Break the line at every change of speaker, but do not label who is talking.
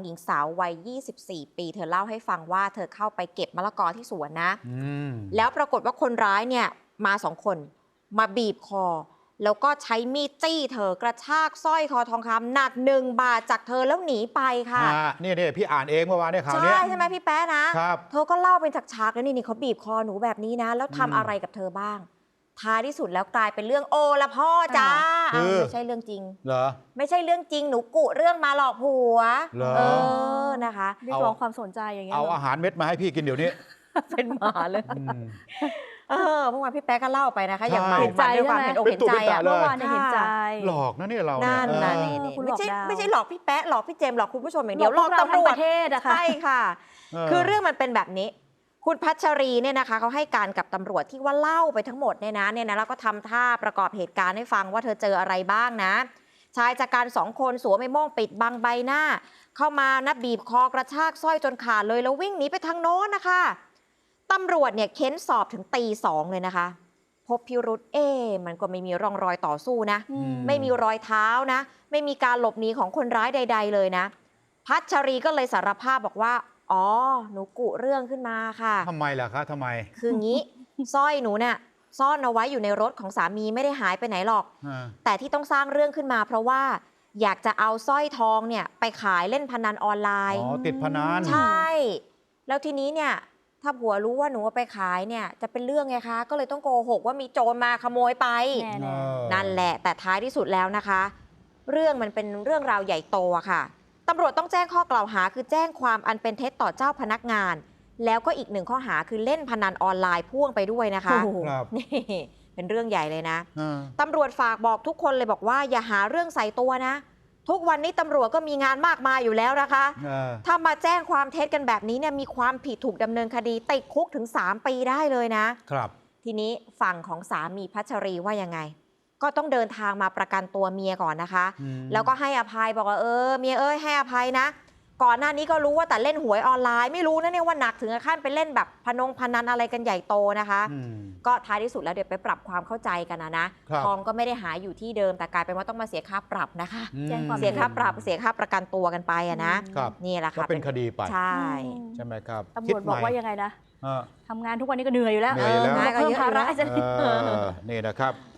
หญิงสาววัย 24 ปี เธอเล่าให้ฟังว่าเธอเข้าไปเก็บมะละกอที่สวนนะแล้วปรากฏว่าคนร้ายเนี่ยมา2 คนมาบีบคอแล้วก็ใช้มีดจี้เธอกระชากสร้อยคอทองคำหนัก1 บาทจากเธอแล้วหนีไปค่ะ
นี่พี่อ่านเองเมื่อวานเนี่ยข่าวนี้
ใช่ไหมพี่แป๊ะนะครับเธอก็เล่าเป็นฉากๆแล้วนี่เขาบีบคอหนูแบบนี้นะแล้วทำอะไรกับเธอบ้างท้ายที่สุดแล้วกลายเป็นเรื่องโอละพ่อจ้าไม่ใช่เรื่องจริง
เหรอ
ไม่ใช่เรื่องจริงหนูกุเรื่องมาหลอกผัวนะคะ
เรียกร้องความสนใจอย่างเงี้ย
เอาอาหารเม็ดมาให้พี่กินเดี๋ยวนี้
เป็นหมาเลยเมื่อวานพี่แป๊ะก็เล่าไปนะคะอย่างเห็นใจด้วยความเห็นอกเห็นใจ
เมื่อวานเห็นใจ
หลอกนะเนี่ยเรา
นั่นไม่ใช่หลอกพี่แป๊ะหลอกพี่เจมหลอกคุณผู้ชมอย่างเดียวหลอกตำรวจ
ประเทศอะค่ะ
ใช่ค่ะคือเรื่องมันเป็นแบบนี้คุณพัชรีเนี่ยนะคะเขาให้การกับตำรวจที่ว่าเล่าไปทั้งหมดเนี่ยนะแล้วก็ทำท่าประกอบเหตุการณ์ให้ฟังว่าเธอเจออะไรบ้างนะชายจากการ2 คนสวมไอ้โม่งปิดบังใบหน้าเข้ามานะบีบคอกระชากสร้อยจนขาดเลยแล้ววิ่งหนีไปทางโน้นนะคะตำรวจเนี่ยเค้นสอบถึงตี 2เลยนะคะพบพิรุธมันก็ไม่มีร่องรอยต่อสู้นะไม่มีรอยเท้านะไม่มีการหลบหนีของคนร้ายใดๆเลยนะพัชรีก็เลยสารภาพบอกว่าอ๋อหนูกุเรื่องขึ้นมาค่ะ
ทำไมล่ะคะทำไม
คืองี้ สร้อยหนูเนี่ยซ่อนเอาไว้อยู่ในรถของสามีไม่ได้หายไปไหนหรอกแต่ที่ต้องสร้างเรื่องขึ้นมาเพราะว่าอยากจะเอาสร้อยทองเนี่ยไปขายเล่นพนันออนไลน์
ติดพนัน
ใช่แล้วทีนี้เนี่ยถ้าผัวรู้ว่าหนูเอาไปขายเนี่ยจะเป็นเรื่องไงคะก็เลยต้องโกหกว่ามีโจรมาขโมยไปนั่นแหละแต่ท้ายที่สุดแล้วนะคะเรื่องมันเป็นเรื่องราวใหญ่โตค่ะตำรวจต้องแจ้งข้อกล่าวหาคือแจ้งความอันเป็นเท็จต่อเจ้าพนักงานแล้วก็อีก1 ข้อหาคือเล่นพนันออนไลน์พ่วงไปด้วยนะคะนี่เป็นเรื่องใหญ่เลยนะตำรวจฝากบอกทุกคนเลยบอกว่าอย่าหาเรื่องใส่ตัวนะทุกวันนี้ตำรวจก็มีงานมากมายอยู่แล้วนะคะถ้ามาแจ้งความเท็จกันแบบนี้เนี่ยมีความผิดถูกดำเนินคดีติดคุกถึง3 ปีได้เลยนะครับทีนี้ฝั่งของสามีพัชรีว่ายังไงก็ต้องเดินทางมาประกันตัวเมียก่อนนะคะแล้วก็ให้อภัยบอกว่าเมียให้อภัยนะก่อนหน้านี้ก็รู้ว่าแต่เล่นหวยออนไลน์ไม่รู้นะเนี่ยว่าหนักถึงขั้นไปเล่นแบบพนันอะไรกันใหญ่โตนะคะก็ท้ายที่สุดแล้วเดี๋ยวไปปรับความเข้าใจกันนะทองก็ไม่ได้หายอยู่ที่เดิมแต่กลายเป็นว่าต้องมาเสียค่าปรับนะคะเสียค่าปรับเสียค่าประกันตัวกันไปนะนี่แหละค่ะ
ก็เป็นคดีไป
ใ
ช่ไหมครับ
ตำรวจบอกว่ายังไงนะทำงานทุกวันนี้ก็เหนื่อยอยู่แล้ว
เหนื่อยแล้ว
เพิ่มภาระ
นี่นะครับ